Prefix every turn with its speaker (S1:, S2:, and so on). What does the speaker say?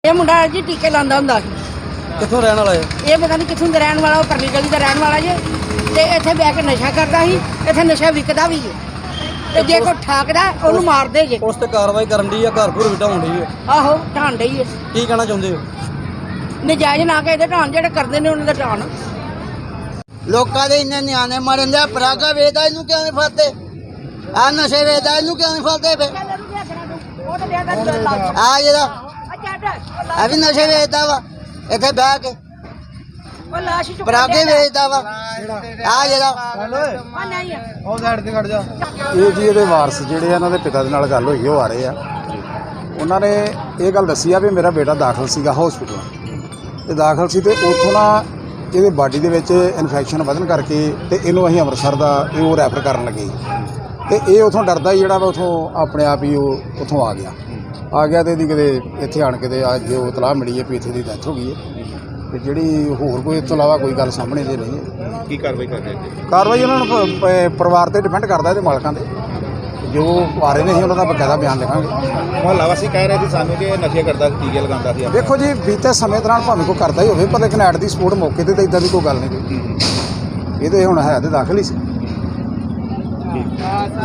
S1: ਇਹ ਮੁੰਡਾ ਜੀ ਟੀਕੇ ਲਾਉਂਦਾ ਹੁੰਦਾ ਸੀ।
S2: ਕਿੱਥੋਂ ਰਹਿਣ ਵਾਲਾ ਹੈ?
S1: ਇਹ ਪਤਾ ਨਹੀਂ ਕਿੱਥੋਂ ਦਾ ਰਹਿਣ ਵਾਲਾ, ਉਹ ਪਰਲੀ ਗਲੀ ਦਾ ਰਹਿਣ ਵਾਲਾ ਜੇ। ਤੇ ਇੱਥੇ ਬਹਿ ਕੇ ਨਸ਼ਾ ਕਰਦਾ ਸੀ, ਇੱਥੇ ਨਸ਼ਾ ਵਿਕਦਾ ਵੀ ਹੈ। ਤੇ ਜੇ ਕੋਈ ਠਾਕਦਾ ਉਹਨੂੰ ਮਾਰ ਦੇ ਜੇ।
S2: ਉਸ ਤੇ ਕਾਰਵਾਈ ਕਰਨ ਦੀ ਆ, ਘਰ ਘਰ ਵਿਟਾਉਣ ਦੀ ਹੈ।
S1: ਆਹੋ ਢਾਣ ਡਈ ਹੈ।
S2: ਕੀ ਕਹਿਣਾ ਚਾਹੁੰਦੇ ਹੋ?
S1: ਨਜਾਇਜ਼ ਨਾ ਕੇ ਇਹਦੇ ਢਾਣ, ਜਿਹੜੇ ਕਰਦੇ ਨੇ ਉਹਨਾਂ ਦਾ ਢਾਣ।
S3: ਲੋਕਾਂ ਦੇ ਇੰਨੇ ਨਿਆਣੇ ਮਰਨ ਦੇ, ਪਰਾਗਾ ਵੇਚਦਾ ਇਹਨੂੰ ਕਿਉਂ ਨਹੀਂ ਫੜਦੇ? ਆ ਨਸ਼ੇ ਵੇਚਦਾ ਇਹਨੂੰ ਕਿਉਂ ਨਹੀਂ ਫੜਦੇ? ਫੇ ਆ ਜਿਹੜਾ ਆ ਵੀ ਨਸ਼ੇ ਵੇਚਦਾ ਵਾ, ਇੱਥੇ ਬਹਿ ਕੇ ਪਰਾਗੇ ਵੇਚਦਾ ਵਾ। ਆ ਜਿਹੜਾ
S4: ਇਹ ਜੀ ਇਹਦੇ ਵਾਰਸ ਜਿਹੜੇ ਆ, ਇਹਨਾਂ ਦੇ ਪਿਤਾ ਦੇ ਨਾਲ ਗੱਲ ਹੋਈ, ਉਹ ਆ ਰਹੇ ਆ। ਉਹਨਾਂ ਨੇ ਇਹ ਗੱਲ ਦੱਸੀ ਆ ਵੀ ਮੇਰਾ ਬੇਟਾ ਦਾਖਲ ਸੀਗਾ ਹਸਪੀਟਲ ਤੇ ਦਾਖਲ ਸੀ, ਤੇ ਉੱਥੋਂ ਨਾ ਇਹਦੇ ਬਾਡੀ ਦੇ ਵਿੱਚ ਇਨਫੈਕਸ਼ਨ ਵਧਣ ਕਰਕੇ ਤੇ ਇਹਨੂੰ ਅਸੀਂ ਅੰਮ੍ਰਿਤਸਰ ਦਾ ਉਹ ਰੈਫਰ ਕਰਨ ਲੱਗੇ। ਤੇ ਇਹ ਉਥੋਂ ਡਰਦਾ ਹੀ ਜਿਹੜਾ ਵਾ ਉਥੋਂ ਆਪਣੇ ਆਪ ਹੀ ਉਹ ਉਥੋਂ ਆ ਗਿਆ ਤੇ ਇਹਦੀ ਕਿਤੇ ਇੱਥੇ ਆਣ ਕੇ ਤੇ ਅੱਜ ਉਹ ਇਤਲਾਹ ਮਿਲੀ ਹੈ ਵੀ ਇੱਥੇ ਦੀ ਡੈਥ ਹੋ ਗਈ ਹੈ। ਤੇ ਜਿਹੜੀ ਹੋਰ ਕੋਈ ਇਸ ਤੋਂ ਇਲਾਵਾ ਕੋਈ ਗੱਲ ਸਾਹਮਣੇ ਤੇ ਨਹੀਂ ਹੈ।
S5: ਕੀ ਕਾਰਵਾਈ ਕਰਦੇ ਜੀ?
S4: ਕਾਰਵਾਈ ਉਹਨਾਂ ਨੂੰ ਪਰਿਵਾਰ ਤੇ ਡਿਪੈਂਡ ਕਰਦਾ, ਇਹਦੇ ਮਾਲਕਾਂ ਤੇ ਜੋ ਆ ਰਹੇ ਨੇ ਅਸੀਂ ਉਹਨਾਂ ਦਾ ਬਕਾਇਦਾ ਬਿਆਨ ਲਿਖਾਂਗੇ।
S5: ਮੁਹੱਲਾ ਵਾਸੀ ਕਹਿ ਰਹੇ ਸੀ ਸਾਨੂੰ ਕਿ ਇਹ ਨਸ਼ੇ ਕਰਦਾ ਸੀ, ਟੀਕੇ ਲਗਾਉਂਦਾ ਸੀ।
S4: ਦੇਖੋ ਜੀ, ਬੀਤੇ ਸਮੇਂ ਦੌਰਾਨ ਭਾਵੇਂ ਕੋਈ ਕਰਦਾ ਹੀ ਹੋਵੇ, ਪਰ ਲੇਕਿਨ ਐਟ ਦੀ ਸਪੋਰਟ ਮੌਕੇ ਤੇ ਤਾਂ ਇਦਾਂ ਦੀ ਕੋਈ ਗੱਲ ਨਹੀਂ ਕੋਈ। ਇਹਦੇ ਹੁਣ ਹੈ ਤੇ ਦਾਖਲ ਹੀ ਸੀ।